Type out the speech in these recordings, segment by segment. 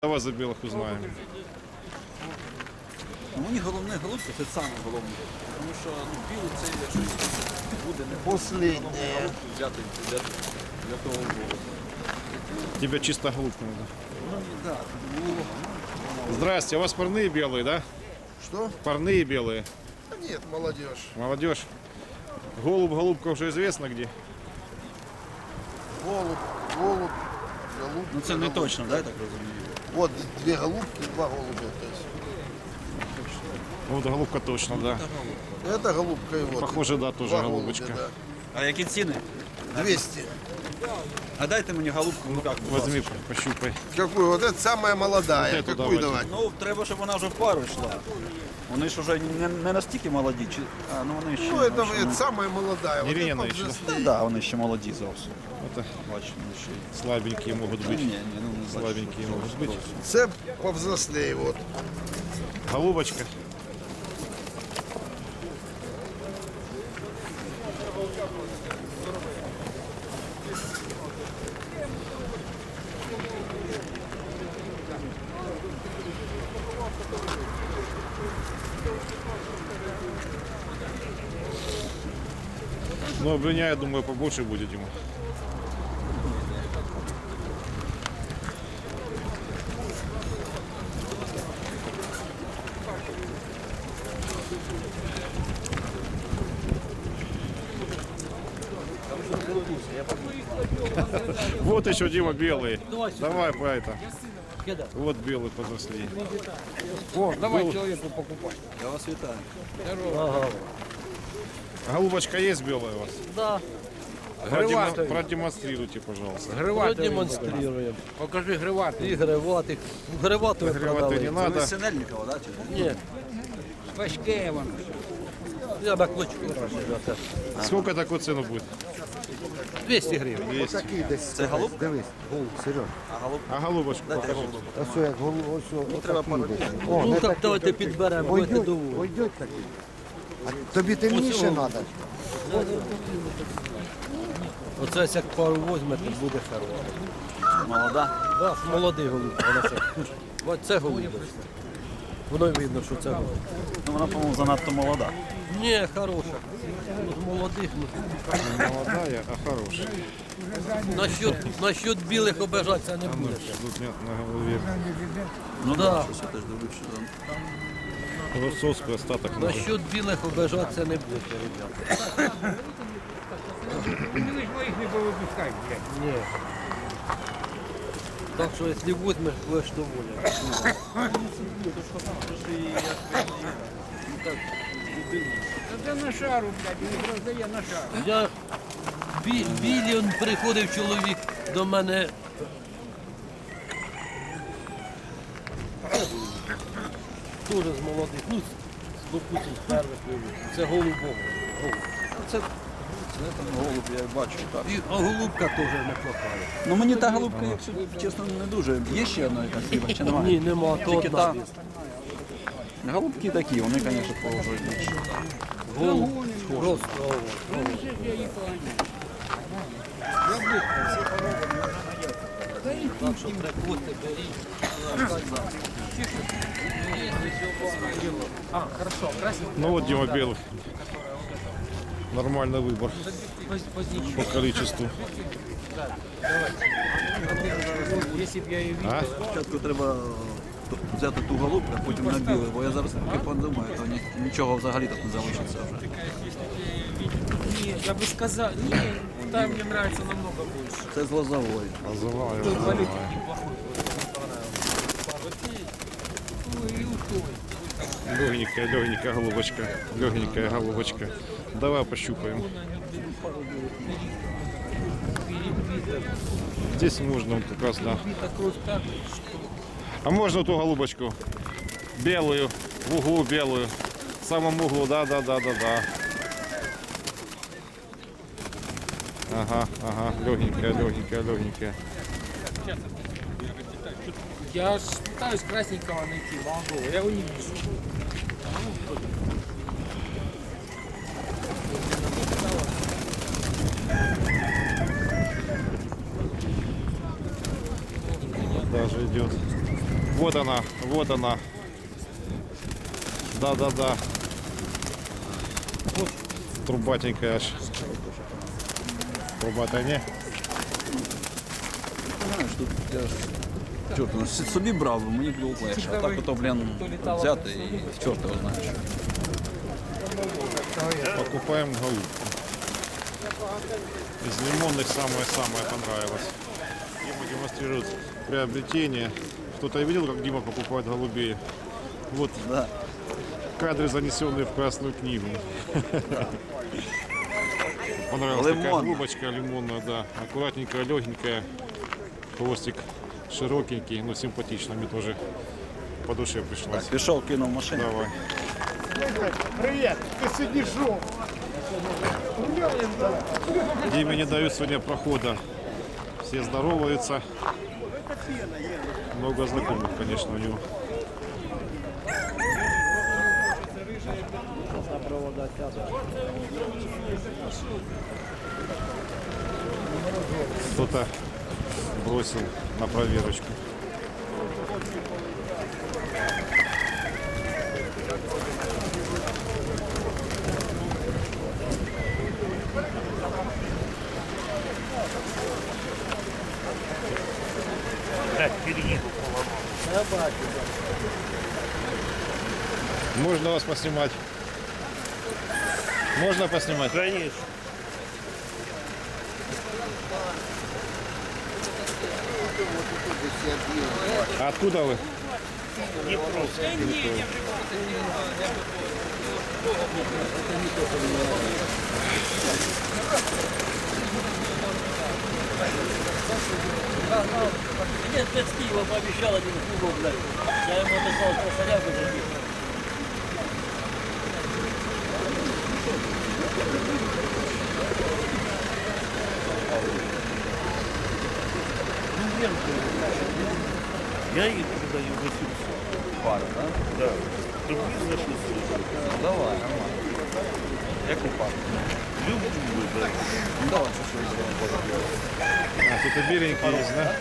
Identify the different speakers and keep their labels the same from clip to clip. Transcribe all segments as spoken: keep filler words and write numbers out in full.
Speaker 1: Давай за білих узнаємо.
Speaker 2: Ну, мені головне голубка, це саме головне. Тому що ну, білий це, якщо буде не
Speaker 3: Последнее.
Speaker 2: голубку взяти для, для того голубу.
Speaker 1: Тебе чисто голубка надо.
Speaker 2: Ну, так, було.
Speaker 1: Здрасте, у вас парные белые, да?
Speaker 3: Что?
Speaker 1: Парные белые.
Speaker 3: Да нет, молодежь.
Speaker 1: Молодежь. Голубь, голубка уже известно где.
Speaker 3: Голубь, голубь, голубь.
Speaker 2: Ну це не точно, да, я так розумію?
Speaker 3: Вот две голубки, два голубя. То есть.
Speaker 1: Вот голубка точно, да.
Speaker 3: Это голубка и вот.
Speaker 1: Похоже, да, тоже
Speaker 3: два
Speaker 1: голубочка.
Speaker 3: голубя,
Speaker 2: А які ціни?
Speaker 3: да. двести.
Speaker 2: А дайте мені голубку, ну як, будь
Speaker 1: Возьми,
Speaker 2: ласка.
Speaker 1: пощупай.
Speaker 3: Какую? Вот это самая молодая.
Speaker 1: Вот эту
Speaker 3: Какую
Speaker 1: давайте.
Speaker 3: давать?
Speaker 2: Ну, треба, щоб вона вже в пару йшла. Вони ж вже не, не настільки молоді, чи... А, ну вони ще...
Speaker 3: Ну, это,
Speaker 2: ще,
Speaker 3: это самая молодая. Вот
Speaker 1: Ирина
Speaker 3: это
Speaker 1: еще, да?
Speaker 3: повзрослее.
Speaker 2: Так, да, вони ще молоді зовсім.
Speaker 1: Это
Speaker 2: Бачу, вони ще... й-
Speaker 1: слабенькие могут
Speaker 2: Ні,
Speaker 1: быть.
Speaker 2: ні, ну не бачу,
Speaker 1: Слабенькие
Speaker 2: що-
Speaker 1: могут быть.
Speaker 3: Це повзрослее, вот.
Speaker 1: Голубочка. Ну, обвиня, я думаю, побольше будет ему. Вот еще, Дима, белые. Давай по это. Вот белый подросли.
Speaker 4: О, давай человеку покупать.
Speaker 2: Я вас вітаю.
Speaker 1: Голубочка есть белая у вас?
Speaker 4: Да,
Speaker 1: Продемо-
Speaker 4: Гриватый.
Speaker 1: Продемонстрируйте, пожалуйста.
Speaker 4: Гриватый.
Speaker 5: Продемонстрируем.
Speaker 4: Покажи гриватый.
Speaker 5: И гриватых. Гриватых
Speaker 1: Гриватый не
Speaker 5: продали.
Speaker 2: Це ви
Speaker 1: надо.
Speaker 2: з Синельникова, да? чи?
Speaker 5: Ні,
Speaker 4: Важке воно.
Speaker 5: я на клочку продаю.
Speaker 1: Сколько такую цену будет?
Speaker 5: двісті гривень.
Speaker 1: двести.
Speaker 6: Такий десь.
Speaker 2: Це голуб?
Speaker 6: Дивись, голуб, Сереж.
Speaker 2: А голуб?
Speaker 1: А голубочку
Speaker 2: Дайте
Speaker 1: покажи.
Speaker 2: голубу.
Speaker 6: Ось як голуб, ось о,
Speaker 2: треба
Speaker 6: отакий
Speaker 2: пару
Speaker 6: десь.
Speaker 2: днів.
Speaker 6: О,
Speaker 5: Ну
Speaker 6: не
Speaker 5: так
Speaker 6: такий,
Speaker 5: давайте
Speaker 6: такий.
Speaker 5: підберемо, будете
Speaker 6: Пойдуть,
Speaker 5: доволі.
Speaker 6: пойдуть такий. А тобі темніше треба?
Speaker 5: Оце ось як пару візьмете, буде хороше.
Speaker 2: Молода.
Speaker 5: Да, молодий голуб. Вона це. Ось це голуб. Воно й видно, що це голуб.
Speaker 2: Ну вона, по-моєму, занадто молода.
Speaker 5: Ні, хороша. Ну, з молодих. Ну.
Speaker 1: Молодая, а хорошая.
Speaker 5: Насчет, насчет білих обижатися не
Speaker 1: Ну,
Speaker 5: будеш.
Speaker 1: тут нет на голове.
Speaker 2: Ну
Speaker 5: Да.
Speaker 2: да, щось я теж дивлюсь, що там.
Speaker 1: Росовский остаток. надо.
Speaker 5: Насчет білих обижатися не будете, ребята.
Speaker 4: Ти ж моїх не повипускай, блядь.
Speaker 5: Ні. Так що, якщо візьмеш, будеш доволен.
Speaker 4: Та це на шару, блядь, він роздає на шару.
Speaker 5: Я бі, білі он приходив чоловік до мене. Дуже з молодих, ну, з, допустим, з перших вивів. Це голубок. Голуб.
Speaker 2: Це, це там голуб, я бачу, так.
Speaker 5: І а голубка теж не плохая.
Speaker 2: Ну мені та голубка, якщо чесно, не дуже. Є ще одна якась риба, чи немає?
Speaker 5: Ні, нема, то
Speaker 2: Тільки
Speaker 5: одна.
Speaker 2: та. Голубки такі, вони, звісно, положують більше.
Speaker 5: Голуб просто. Так що приходьте, беріть.
Speaker 1: Ну вот Дима белых. Нормальный выбор по количеству. А?
Speaker 2: Спочатку треба взяти ту голубку, а потім на білий, бо я зараз таки подумаю, то ні- нічого взагалі тут не залишиться вже.
Speaker 7: Не, я бы сказал, не, там мне нравится намного больше.
Speaker 2: Це з лозової.
Speaker 1: Называю,
Speaker 7: Тут
Speaker 1: называю.
Speaker 7: валюта неплохой. Ну и у той.
Speaker 1: Легенькая, легенькая голубочка. Легенькая голубочка. Давай пощупаем. Здесь можно вот как раз, да. А можно ту голубочку? Белую, в углу белую. В самом углу, да, да, да, да, да. Ага, ага, легенькая, легенькая, легенькая.
Speaker 7: Я ж пытаюсь красненького найти, молодого, я его не вижу.
Speaker 1: Даже идет. Вот она, вот она. Да-да-да. Вот трубатенькая аж. Трубатая не?
Speaker 2: Знаєш, тут я ж чорт, ну, собі брав, мені було легше. А так ото, блін, взяти і чорт його знаєш.
Speaker 1: Покупаем голубку. Из лимонных самое-самое понравилось. Дима демонстрирует приобретение. Кто-то видел, как Дима покупает голубей? Вот
Speaker 2: Да.
Speaker 1: кадры, занесенные в Красную книгу. Понравилась такая
Speaker 2: Лимонная.
Speaker 1: голубочка лимонная, да. Аккуратненькая, легенькая. Хвостик широкенький, но симпатично. Мне тоже по душе пришлось.
Speaker 2: Так, пішов, кинув машину.
Speaker 1: Давай.
Speaker 3: Привет, ты сидишь шел.
Speaker 1: Диме не дают сегодня прохода. Все здороваются. Много знакомых, конечно, у него. Кто-то бросил на проверочку. Можно вас поснимать? Можно поснимать?
Speaker 5: Конечно.
Speaker 1: А откуда вы?
Speaker 5: Нет, ты с Киева пообещал один кругом, блядь. Я ему отослал косаря, выжил. Я їх продаю за сімсот.
Speaker 2: Пара, да?
Speaker 5: Да. Тобі за шістсот.
Speaker 2: Давай, нормально. Яку пару?
Speaker 5: Люблю вибрати.
Speaker 2: Ну давай, що ж зробимо.
Speaker 1: А, тут и беленький есть, да?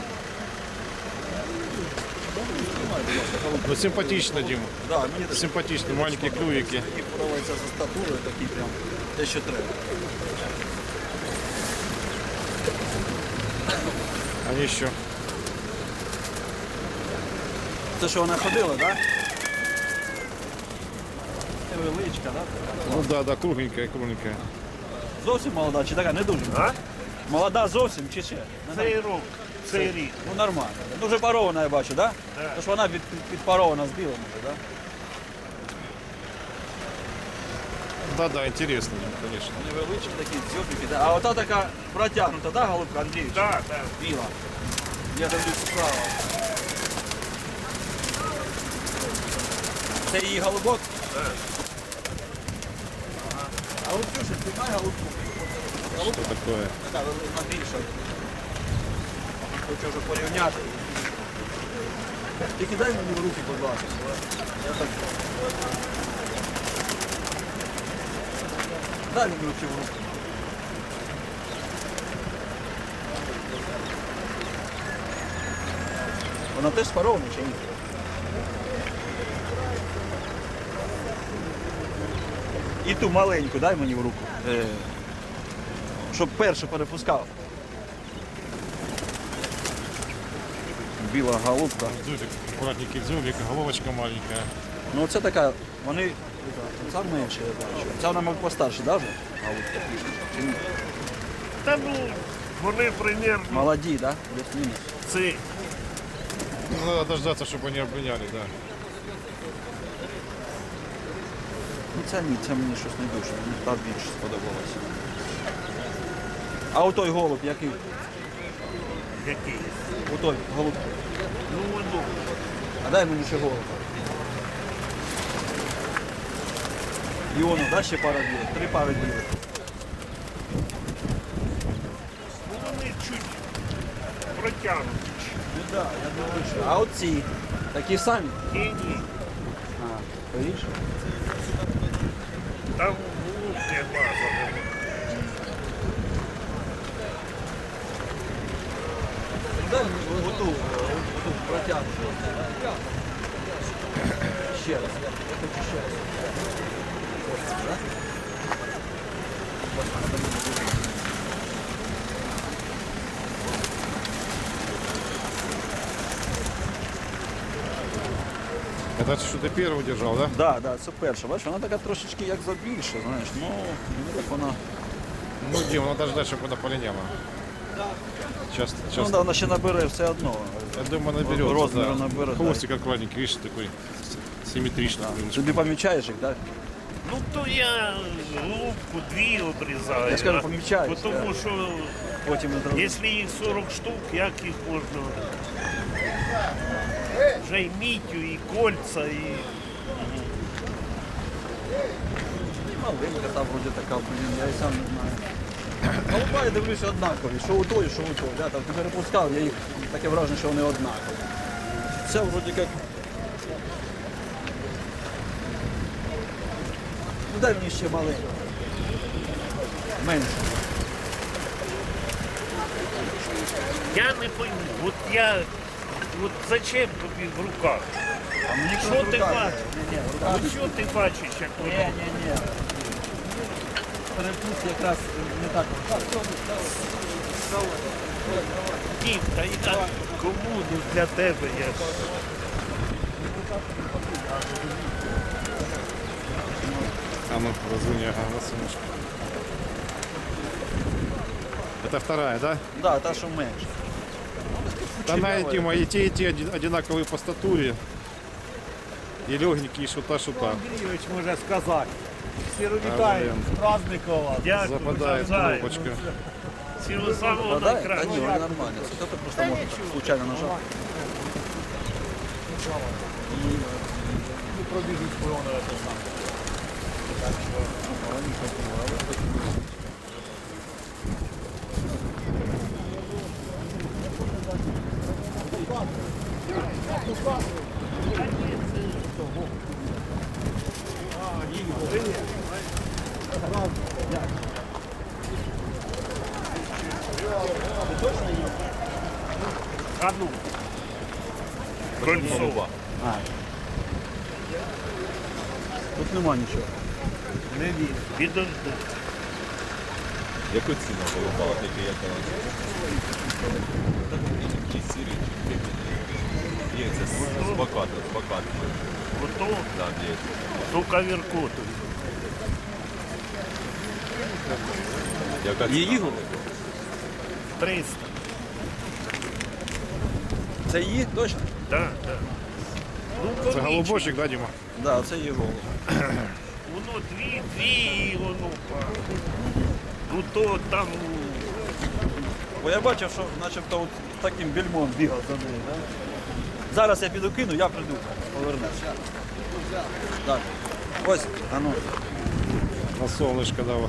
Speaker 1: Ну, симпатично, Дима.
Speaker 2: Да, мені такі
Speaker 1: Симпатично, маленькие клювики.
Speaker 2: подобаються за статурою, такі прям те, що треба.
Speaker 1: Они еще.
Speaker 2: Це що вона ходила, так? Невеличка, так?
Speaker 1: Ну да, да, кругленькая, кругленькая.
Speaker 2: Зовсім молода, чи така не дуже?
Speaker 5: А?
Speaker 2: Молода зовсім чи ще?
Speaker 5: Цей рок, цей рік.
Speaker 2: Ну нормально. Дуже парована, я бачу, так? Да? Тож вона під, під, підпарована з білим уже, так?
Speaker 1: Да, да, интересно, Дима, конечно.
Speaker 2: Невеличкі такі дзьобики, да? А ота така протягнута, да, голубка Андрій?
Speaker 5: Так, так.
Speaker 2: Біла. Я дивлюся справа. Це її голубок? Так. А от Ксюша, ти маєш голубку?
Speaker 1: Что такое?
Speaker 2: Така велика більша. Хочу вже порівняти. Тільки дай мені в руки, будь ласка. Я так... Дай мені руки в руки. Вона теж спарована чи ні? І ту маленьку дай мені в руку. Е, щоб першу перепускав. Біла голубка.
Speaker 1: Дзюбик, аккуратненький дзюбик, головочка маленькая.
Speaker 2: Ну це така, вони ця менше, я бачу. Ця вона мав постарше, да, вже? Голубка пішла. Чи ні?
Speaker 5: Та ну, вони примерно
Speaker 2: Молоді, да? Плюс-мінус.
Speaker 5: цей.
Speaker 1: Ну, надо дождаться, чтобы они облиняли, да.
Speaker 2: Ну ця ні, ця мені щось не дуже, мені та більше сподобалася. А отой голуб який?
Speaker 5: Який?
Speaker 2: Отой голуб.
Speaker 5: Ну, воно.
Speaker 2: А дай мені ще голуб. І воно, да, ще пара білих? Три пари білих.
Speaker 5: Ну, вони чуть протягнуті.
Speaker 2: Ну так, я думаю, що. А оці? Такі самі?
Speaker 5: Ні, ні.
Speaker 2: А, повіше?
Speaker 5: Там глубже база.
Speaker 2: Дай мені оту, тут протягнути. Ще раз. Я хочу ще раз. Ось це, так?
Speaker 1: Это что ты первый держал, да?
Speaker 2: Да, да, це перша. Бачиш, вона така трошечки як забільша, знаєш. Ну, мені так вона.
Speaker 1: Ну, Дим, надо ждать, чтобы она полиняла. Сейчас,
Speaker 2: Ну,
Speaker 1: сейчас.
Speaker 2: да, вона ще набере все одно.
Speaker 1: Я думаю, наберется.
Speaker 2: Розміру
Speaker 1: да.
Speaker 2: набере, да.
Speaker 1: Хвостик аккуратненький, видишь, такой с- симметричный.
Speaker 2: Тобі помічаєш їх, так?
Speaker 8: Ну то я голубку дві обрізаю.
Speaker 2: Я ж кажу,
Speaker 8: а
Speaker 2: помічаюсь,
Speaker 8: Тому що
Speaker 2: Потім не зразу.
Speaker 8: якщо їх сорок штук, як їх можна? Вже і мітю, і кольца, і
Speaker 2: Маленька та вроді така, блін, я і сам не знаю. Голуба, я дивлюся, однакові. Що у той, що у той. Да, там не перепускав, я їх таке враження, що вони однакові. Це вроді як. Ну дай мені ще маленьку. Менше.
Speaker 8: я не пойму. От я, от зачем тобі в руках?
Speaker 2: А мені
Speaker 8: Що
Speaker 2: кажуть,
Speaker 8: ти
Speaker 2: руками.
Speaker 8: бачиш?
Speaker 2: Ні, ні, руками.
Speaker 8: Ну що ти бачиш, як
Speaker 2: Ні,
Speaker 8: воно?
Speaker 2: ні, ні. Перепуск якраз не так.
Speaker 8: Дім, та я кому ну, для тебе я ж.
Speaker 1: А ну, разуни, ага, на солнышко. Это вторая, да?
Speaker 2: Да, та, що менше.
Speaker 1: Она, Дима, и те, и те один- одинаковые по статуре. И легенькие, и шута, шута.
Speaker 3: Андрійович може сказати. Всі
Speaker 1: А,
Speaker 3: вітають
Speaker 1: блін.
Speaker 3: з праздником вас.
Speaker 8: Дякую,
Speaker 1: Западает
Speaker 8: навзаєм.
Speaker 1: кнопочка.
Speaker 8: Всього самого
Speaker 2: Да, та ні,
Speaker 8: найкращого.
Speaker 2: вони нормально. Це ти просто можеш так случайно нажати.
Speaker 3: Пробіжуть полону це саме.
Speaker 8: А ну. Кольцова.
Speaker 2: Тут нема нічого.
Speaker 8: Не він. Підожди.
Speaker 9: Яку ціну голубала, тільки яка? Чи сірі, чи пекіні? Є, це з з бакату, з бакату.
Speaker 8: Ото
Speaker 9: Да, є.
Speaker 8: ту кавіркоту.
Speaker 9: Яка
Speaker 2: Її
Speaker 9: ціна?
Speaker 2: голуби?
Speaker 8: триста.
Speaker 2: Це її? Точно?
Speaker 8: Так, так. Ну,
Speaker 1: Это
Speaker 8: помічно.
Speaker 1: голубочек, да, Дима?
Speaker 2: Да, це її голуби.
Speaker 8: Воно дві, дві і воно па. Ну то там
Speaker 2: Бо я бачив, що начебто от таким більмом бігав за нею. Да? Зараз я піду кину, я прийду, повернуся. Так. Ось, а ну.
Speaker 1: На солнышко давай.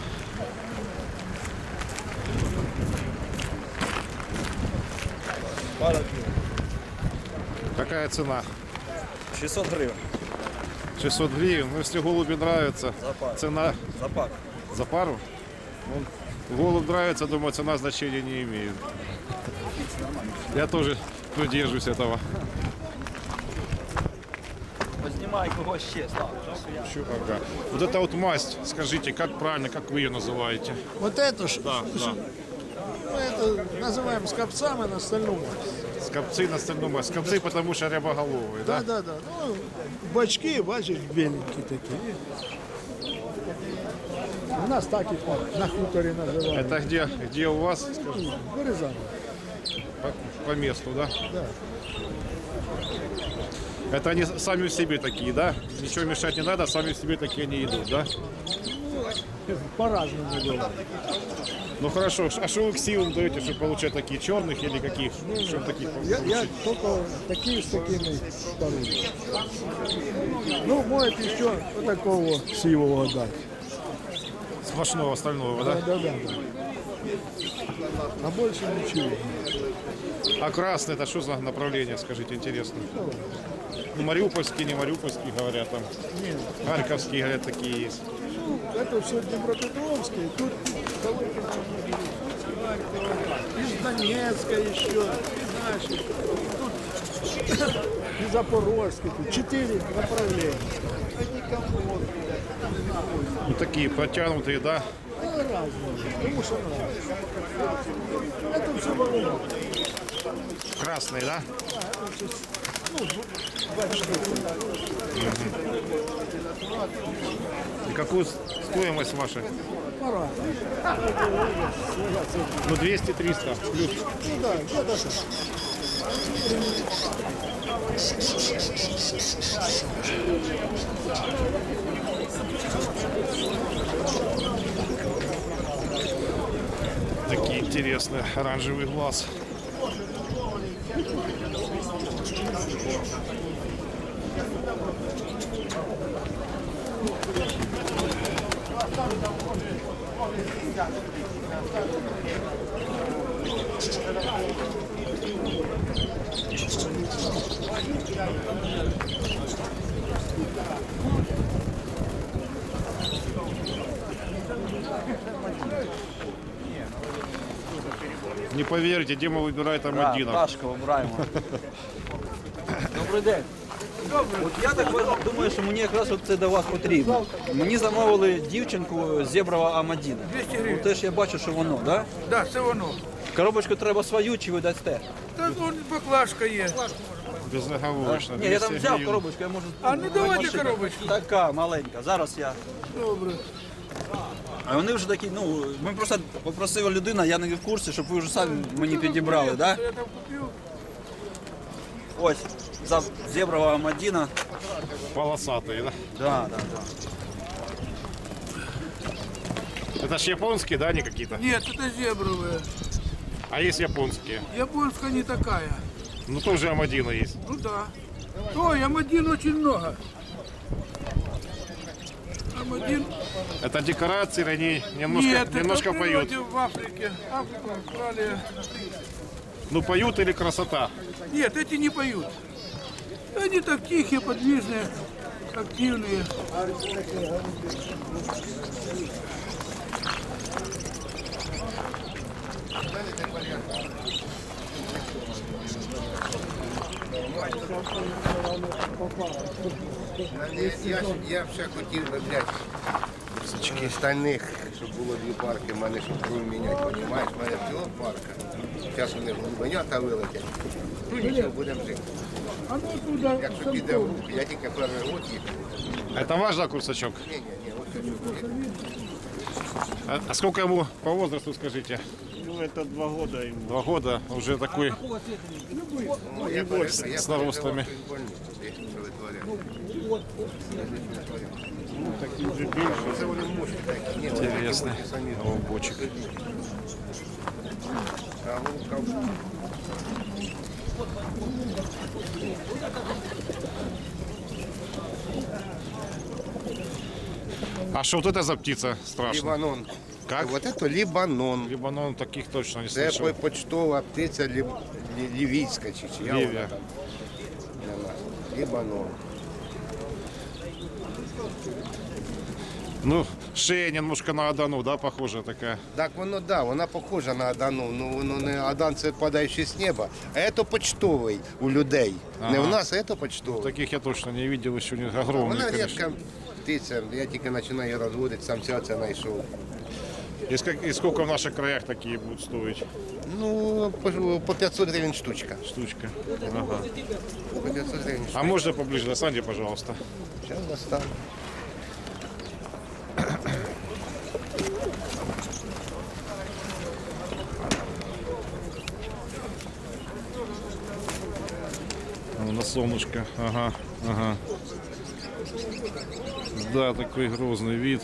Speaker 1: Какая цена?
Speaker 2: шістсот гривень
Speaker 1: шестьсот гривен. Ну, если голуби нравятся,
Speaker 2: за пару.
Speaker 1: цена
Speaker 2: За пару.
Speaker 1: за пару? Ну, голубь нравится, думаю, цена значения не имеет. Я тоже придерживаюсь этого.
Speaker 2: Познімай когось ще став.
Speaker 1: Чё, ага. Вот эта вот масть, скажите, как правильно, как вы ее называете?
Speaker 4: Вот это ж,
Speaker 1: Да, да.
Speaker 4: мы это называем скопцами на стальную масть.
Speaker 1: Скопцы на стальную масть. Скопцы, потому что рябоголовые, да?
Speaker 4: Да, да, да. Ну, бачки, бачиш, беленькие такие. У нас так их на хуторе называют.
Speaker 1: Это где, где у вас?
Speaker 4: Вырезано.
Speaker 1: По, по месту, да?
Speaker 4: Да.
Speaker 1: Это они сами в себе такие, да? Ничего мешать не надо, сами в себе такие они идут, да?
Speaker 4: По-разному бывает.
Speaker 1: Ну хорошо, а что вы к силам даете, чтобы получать такие черных или каких? Чтобы таких
Speaker 4: Я,
Speaker 1: получить?
Speaker 4: я только такие с такими вторыми. Ну, может еще вот такого сивого дать.
Speaker 1: Сплошного остального, да?
Speaker 4: Да, да, да. А больше ничего.
Speaker 1: А красный это что за направление, скажите, интересно? Ну, мариупольские, не мариупольские, говорят там.
Speaker 4: Нет.
Speaker 1: Харьковские, говорят, такие есть.
Speaker 4: Ну, это все Днепропетровское, тут из Донецка еще, из наших. Тут и Запорожский, тут четыре направления.
Speaker 1: Ну, такие протянутые, да?
Speaker 4: Ну, разные, потому что нравится. Это все волна.
Speaker 1: Красные, да? И какую стоимость ваша?
Speaker 4: Пора.
Speaker 1: Ну, двести-триста плюс.
Speaker 4: Ну да, где-то так.
Speaker 1: Такие интересные, оранжевый глаз. Не поверите, Дима выбирает там
Speaker 2: Да,
Speaker 1: один.
Speaker 2: Пташка вибираємо. Добрий день. От я так думаю, що мені якраз от це до вас потрібно. Мені замовили дівчинку Зеброва Амадіна.
Speaker 10: двісті гривень.
Speaker 2: Ну, теж я бачу, що воно, так? Да?
Speaker 10: Да, це воно.
Speaker 2: Коробочку треба свою чи ви дасте?
Speaker 10: Та вон баклажка є.
Speaker 1: Безоговорочно.
Speaker 2: Ні, я там
Speaker 1: двести
Speaker 2: взяв
Speaker 1: гривен.
Speaker 2: коробочку, я можу...
Speaker 10: А, ну, давайте
Speaker 2: машину.
Speaker 10: коробочку.
Speaker 2: Така маленька, зараз я...
Speaker 10: Добре.
Speaker 2: А вони вже такі, ну, ми просто попросила людина, я не в курсі, щоб ви вже самі мені підібрали, так? Да?
Speaker 10: Я там купив.
Speaker 2: Ось, за Зеброва Амадіна.
Speaker 1: Полосатые, да?
Speaker 2: Да, да, да.
Speaker 1: Это ж японские, да, они какие-то?
Speaker 10: Нет, это зебровая.
Speaker 1: А есть японские?
Speaker 10: Японская не такая.
Speaker 1: Ну, тоже Амадина есть.
Speaker 10: Ну да. Ой, Амадин очень много. Амадин.
Speaker 1: Это декорации, они немножко,
Speaker 10: Нет,
Speaker 1: немножко
Speaker 10: это в
Speaker 1: поют.
Speaker 10: природе в Африке. Африку, Австралия.
Speaker 1: Ну, поют или красота?
Speaker 10: Нет, эти не поют. Они так тихие, подвижные, активные.
Speaker 6: Я, я ще хотів би, блядь, і стальних, щоб було дві парки, в мене щоб кров міняти, понімаєш? В мене всього парка. Зараз вони голубенята вилетять. Ну нічого, будемо жити.
Speaker 10: А ну туда.
Speaker 6: Якщо піде в руки, я тільки перший год їхав.
Speaker 1: Это ваш, да, курсачок?
Speaker 6: Ні, ні, ні, ось це.
Speaker 1: А, а сколько ему по возрасту, скажите?
Speaker 3: Ну, это два года ему.
Speaker 1: Два года, уже такой
Speaker 6: Ну, я переживав, я
Speaker 1: с наростами.
Speaker 6: переживав, що він больний, що витворяє.
Speaker 3: Такие же більше.
Speaker 6: Це вони мощні такі. Ні, вони
Speaker 1: Интересный
Speaker 6: такі самі.
Speaker 1: голубочек.
Speaker 6: А голубка
Speaker 1: А что вот это за птица страшная?
Speaker 6: Лібанон.
Speaker 1: Как?
Speaker 6: Вот это Лібанон.
Speaker 1: Либанон таких точно не
Speaker 6: Це
Speaker 1: слышал.
Speaker 6: почтова птиця лів... лі- лівійська чи чия
Speaker 1: Лівія.
Speaker 6: вона там. для нас. Лібанон.
Speaker 1: Ну, шея немножко на Адану, да, похожая такая.
Speaker 6: Так воно да, вона похожа на Адану, ну воно не Адан це падаючий з неба, а це почтовий у людей. Не
Speaker 1: Ага.
Speaker 6: у нас, а це почтовий.
Speaker 1: Таких я точно не видел, еще не огромные,
Speaker 6: Вона
Speaker 1: конечно.
Speaker 6: рідка птиця, я тільки починаю розводити, самця це знайшов.
Speaker 1: И, сколько, и сколько в наших краях такие будут стоить?
Speaker 6: Ну, по, по п'ятсот гривень штучка.
Speaker 1: Штучка. Ага.
Speaker 6: По п'ятсот гривень штучка.
Speaker 1: А можно поближе до Санди, пожалуйста?
Speaker 6: Зараз достану.
Speaker 1: Ну, на солнышко. Ага, ага. Да, такой грозный вид.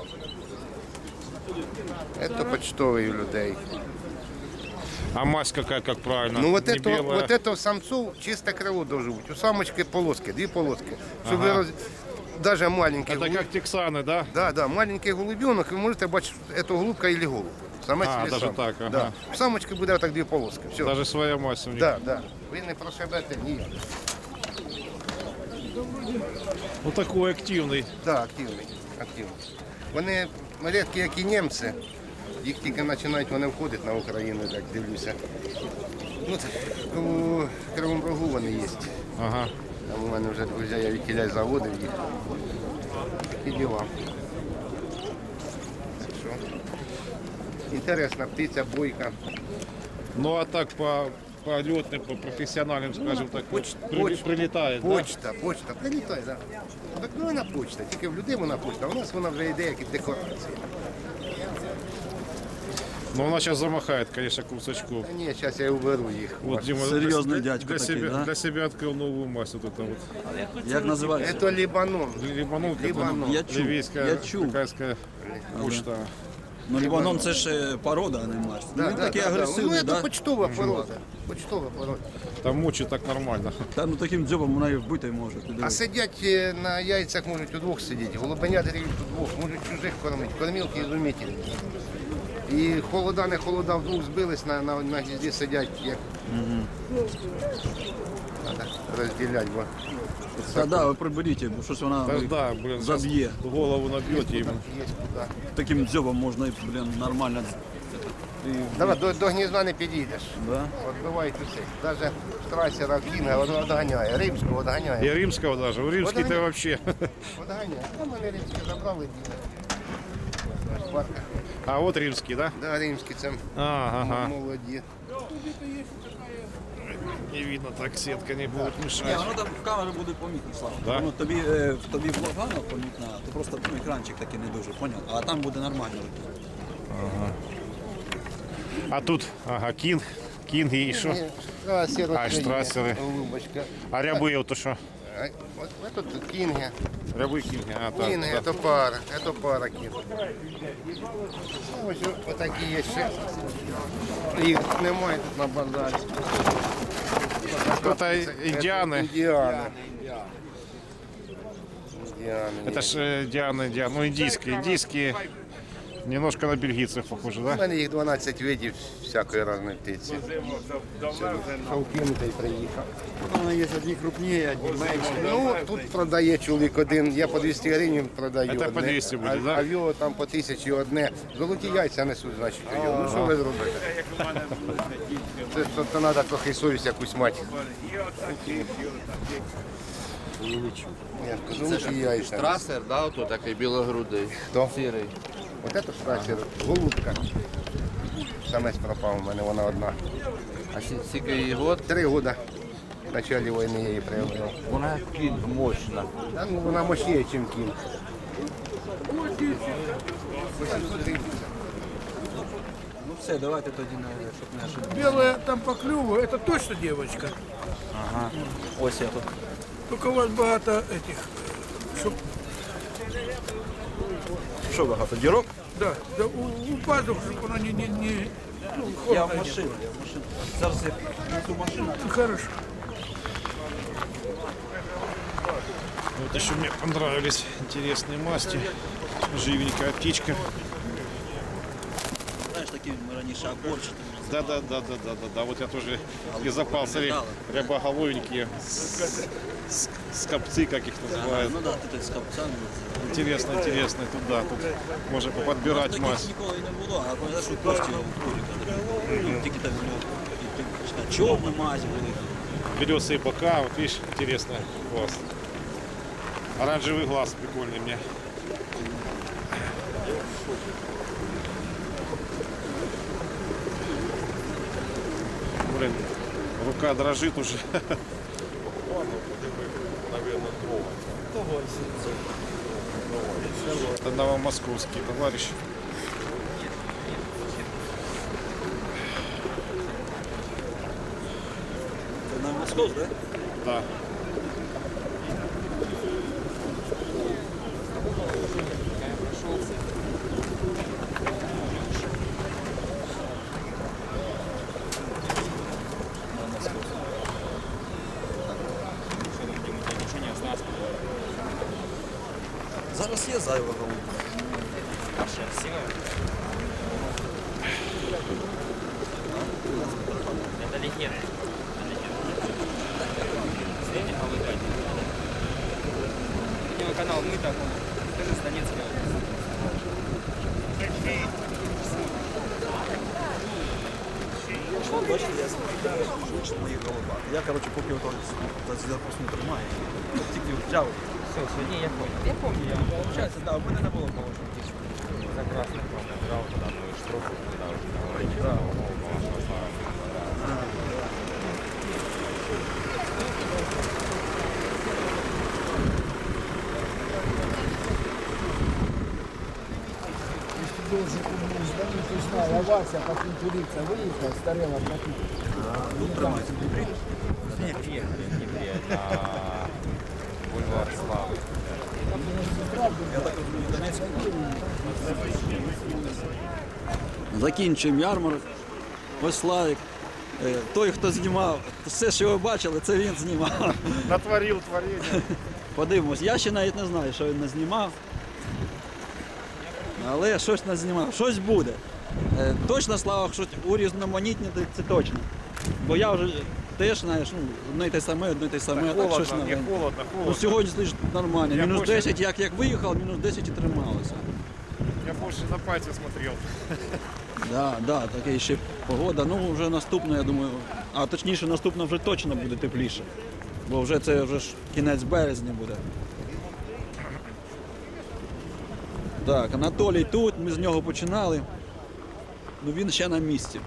Speaker 6: Це почтовий у людей.
Speaker 1: А мазь какая, как правильно?
Speaker 6: Ну вот
Speaker 1: Не
Speaker 6: это,
Speaker 1: белая.
Speaker 6: вот это у самцов чисто крыло должно быть. У самочки полоски, две полоски. Чтобы
Speaker 1: Ага.
Speaker 6: роз... даже маленький
Speaker 1: Это как тексаны, да?
Speaker 6: Да, да, маленький голубенок, ви можете бачити, це голубка или голуб. Самець
Speaker 1: А,
Speaker 6: или
Speaker 1: даже
Speaker 6: сам.
Speaker 1: так, ага.
Speaker 6: Да. У самочки буде так дві полоски. Все.
Speaker 1: Даже своя мазь у них.
Speaker 6: Да, да. Ви не прошибете ніяк.
Speaker 1: Ну такой активный.
Speaker 6: Да, активний, активний. Вони рідкі, як і німці. Їх тільки починають вони входити на Україну, так дивлюся. Ну, у Кривому Рогу вони є.
Speaker 1: Ага.
Speaker 6: Там у мене вже друзі, я відтіля заводив їх. Такі діла. Що? Інтересна птиця, бойка.
Speaker 1: Ну а так по, по летным, по профессиональным, скажем так,
Speaker 6: Поч-
Speaker 1: при-
Speaker 6: поч-
Speaker 1: прилетает, да?
Speaker 6: Почта, почта, прилітає, так. Да. Так ну вона почта, тільки в людей вона почта, а у нас вона вже йде як і декорація.
Speaker 1: Но она сейчас замахает, конечно, кусачков.
Speaker 6: Та ні, зараз я уберу їх.
Speaker 1: Вот Дима
Speaker 2: Серьезный
Speaker 1: для,
Speaker 2: дядька
Speaker 1: для,
Speaker 2: такой,
Speaker 1: себя,
Speaker 2: да?
Speaker 1: для себя открыл новую масть. Вот это вот.
Speaker 2: Як називається?
Speaker 6: Це Лібанон.
Speaker 1: Либанон,
Speaker 6: Либанон.
Speaker 2: Я чув,
Speaker 1: ливийская,
Speaker 2: я чув.
Speaker 1: такайская почта.
Speaker 2: Ну, Лібанон це ж е, порода, а не масть. Ну, він такий
Speaker 6: Ну,
Speaker 2: агресивний,
Speaker 6: це
Speaker 2: да?
Speaker 6: почтова порода. Почтова порода.
Speaker 1: Там мучит так нормально.
Speaker 2: Та ну таким дзьобом вона і вбити може. Ти
Speaker 6: А
Speaker 2: дивись.
Speaker 6: сидять е, на яйцях можуть удвох сидіти, голубенят рівуть удвох, можуть чужих кормити, кормілки ізумітельні. І холода, не холода, вдвох збились, на, на, на гнізді сидять, як... Треба розділяти, бо...
Speaker 2: Та да, ви приберіть, бо щось вона
Speaker 1: Да,
Speaker 2: ви-
Speaker 1: да, блин, сейчас
Speaker 2: заб'є.
Speaker 1: голову набьете им.
Speaker 6: Є куди.
Speaker 2: Таким дзьобом можна, і, блін, нормально. І,
Speaker 6: Давай, до, до гнізда не підійдеш.
Speaker 2: да?
Speaker 6: Отбивають усе. Навіть штрасера Кінга одганяє, римського одганяє.
Speaker 1: И римского даже. У римский-то
Speaker 6: Вот они.
Speaker 1: вообще.
Speaker 6: Одганяє. Там мене римські забрали. Парка.
Speaker 1: А вот римский, да?
Speaker 6: Да, римські це
Speaker 1: А, ага.
Speaker 6: молоді.
Speaker 1: Не видно, так сетка не будет
Speaker 2: Ні,
Speaker 1: мешать.
Speaker 2: воно там в камері буде помітно, Слава.
Speaker 1: Да?
Speaker 2: Воно тобі, е, в тобі погано помітно, то просто ну, екранчик такий не дуже, поняв? А там буде нормально.
Speaker 1: А тут, ага, кинг, кинги и что?
Speaker 6: А, сіро
Speaker 1: А, штрасери.
Speaker 6: Голубочка.
Speaker 1: А рябы вот то что?
Speaker 6: А, от, от тут кінги.
Speaker 1: Рябы кинги, а так.
Speaker 6: Кінги,
Speaker 1: да.
Speaker 6: це пара, це пара кінг. Ось отакі є ще. Їх немає тут на базарі.
Speaker 1: Это индианы.
Speaker 6: Індіани. Індіани.
Speaker 1: Это ж э, Диана, Диана, ну индийские, индийские. Немножко на бельгийцев похоже,
Speaker 6: У
Speaker 1: да?
Speaker 6: мене їх дванадцять видів всякої різної птиці. Шовкинутий приїхав.
Speaker 2: Воно є одні крупні, одні менші.
Speaker 6: Ну, тут продає чоловік один, я по двісті гривень продаю.
Speaker 1: Це
Speaker 6: одне.
Speaker 1: по двісті буде,
Speaker 6: а,
Speaker 1: да?
Speaker 6: а в його там по тисячі одне. Золоті яйця несуть, значить, у його. Ну що ви зробите? Це, це, це треба трохи совість якусь мати. Я кажу, золоті яйця.
Speaker 9: Трасер, да, ото такий білогрудий.
Speaker 6: Хто?
Speaker 9: Сірий.
Speaker 6: Ось це штрасер, голубка. Самець пропав у мене, вона одна.
Speaker 9: А скільки її год?
Speaker 6: Три роки. В початку війни я її приобрел.
Speaker 9: Вона кінг мощна.
Speaker 6: Та, ну, вона мощніше, ніж кінг.
Speaker 2: Ну все, давайте тоді, на- щоб не ошибитися.
Speaker 10: Белая там по клюву, это точно девочка.
Speaker 2: Ага. Ось я тут.
Speaker 10: Только у вас багато этих, чтоб,
Speaker 2: Що багато, дірок?
Speaker 10: да, да у, у пазух, чтобы оно не, не, не ну,
Speaker 2: Я
Speaker 10: холодно
Speaker 2: в
Speaker 10: не
Speaker 2: машину, я в машину. Зараз я несу машину.
Speaker 10: было. Хорошо.
Speaker 1: Вот еще мне понравились интересные масти. Живенькая птичка.
Speaker 2: Знаєш, такі ми раніше огурчики.
Speaker 1: Да, да, да, да, да, да, да. Вот я тоже и запал, смотри, рябоголовенькие, с- с- скопцы, как их называют.
Speaker 2: Ну да, ти так з капцями.
Speaker 1: Интересно, интересно, тут да, тут можно подбирать
Speaker 2: Таких
Speaker 1: масть.
Speaker 2: ніколи не було, а пам'ятаєш, у Кості у Куріка. Ну, тільки там ну, чорна мазь були.
Speaker 1: Белесые бока, вот видишь, интересно, класс. Оранжевый глаз прикольный мне. Блин, рука дрожит уже. Это новомосковский товарищ.
Speaker 2: Це на Москов, да?
Speaker 1: Да.
Speaker 2: Зараз є зайва голубка.
Speaker 7: Канал «Мы так», даже с Донецка.
Speaker 2: Бачите, я швидше моїх голубах. Я, коротше, поки ото запуск не тримаю, от тільки взяв.
Speaker 7: Все, все, не, я понял. Я помню, я
Speaker 2: Получається, да, у мене не було положено птичку.
Speaker 9: За красный номер брал, когда мы штрафу, когда уже говорили,
Speaker 2: Да.
Speaker 4: Если должен ему звонить, узнал, а Вася по конкуренции выехал, старела платить.
Speaker 9: Ні, приехали в Днепре, это бульвар Славы.
Speaker 2: Закінчуємо ярмарок. Ось Славік. Е, Той, хто знімав, все, що ви бачили, це він знімав.
Speaker 1: Натворил творение.
Speaker 2: Подивимось, я ще навіть не знаю, що він не знімав. Але щось не знімав, щось буде. Е, Точно, Слава, що урізноманітніти, це точно. Бо я вже теж, знаєш, ну, одне й те саме, одне й те саме.
Speaker 1: Холодно,
Speaker 2: щось
Speaker 1: мне
Speaker 2: новеньке.
Speaker 1: холодно,
Speaker 2: Ну,
Speaker 1: холодно.
Speaker 2: сьогодні стоїш нормально.
Speaker 1: Я
Speaker 2: Мінус
Speaker 1: больше-
Speaker 2: десять, як, як виїхав, мінус десять і трималося.
Speaker 1: Я больше на пальцы смотрел.
Speaker 2: Да, да, таке ще погода. Ну, вже наступна, я думаю, а точніше, наступна вже точно буде тепліше. Бо вже це вже ж кінець березня буде. Так, Анатолій тут, ми з нього починали. Ну він ще на місці.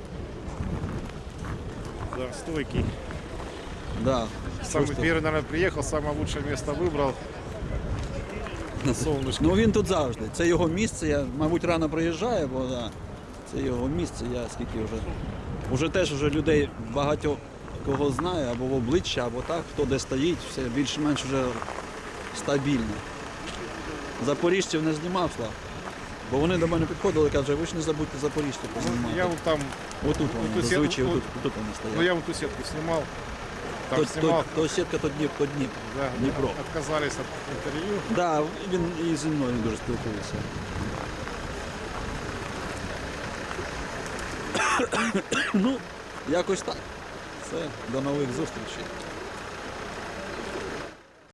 Speaker 1: Да, стойкий.
Speaker 2: Да.
Speaker 1: Самый
Speaker 2: Просто-
Speaker 1: первый, наверное, приехал, самое лучшее место выбрал. На солнышке.
Speaker 2: Ну він тут завжди. Це його місце. Я, мабуть, рано приїжджаю, бо да, це його місце. Я скільки вже. Уже теж вже людей багатьох кого знаю, або в обличчя, або так, хто де стоїть, все більш-менш вже стабільно. Запоріжців не знімав, Слав. Бо вони до мене підходили і кажуть, ви ж не забудьте запоріжців познімати.
Speaker 1: Я вот там,
Speaker 2: Отут вони,
Speaker 1: оту сет-
Speaker 2: зазвичай,
Speaker 1: от-
Speaker 2: отут, отут вони
Speaker 1: ну
Speaker 2: стоять.
Speaker 1: я вот ту сетку снимал. Там
Speaker 2: То,
Speaker 1: снимал.
Speaker 2: то, то сітка, то Дніп, то Дніп.
Speaker 1: Да,
Speaker 2: Дніпро.
Speaker 1: отказались от интервью.
Speaker 2: Да, він і зі мною дуже спілкується. Ну, якось так. Все, до нових зустрічей.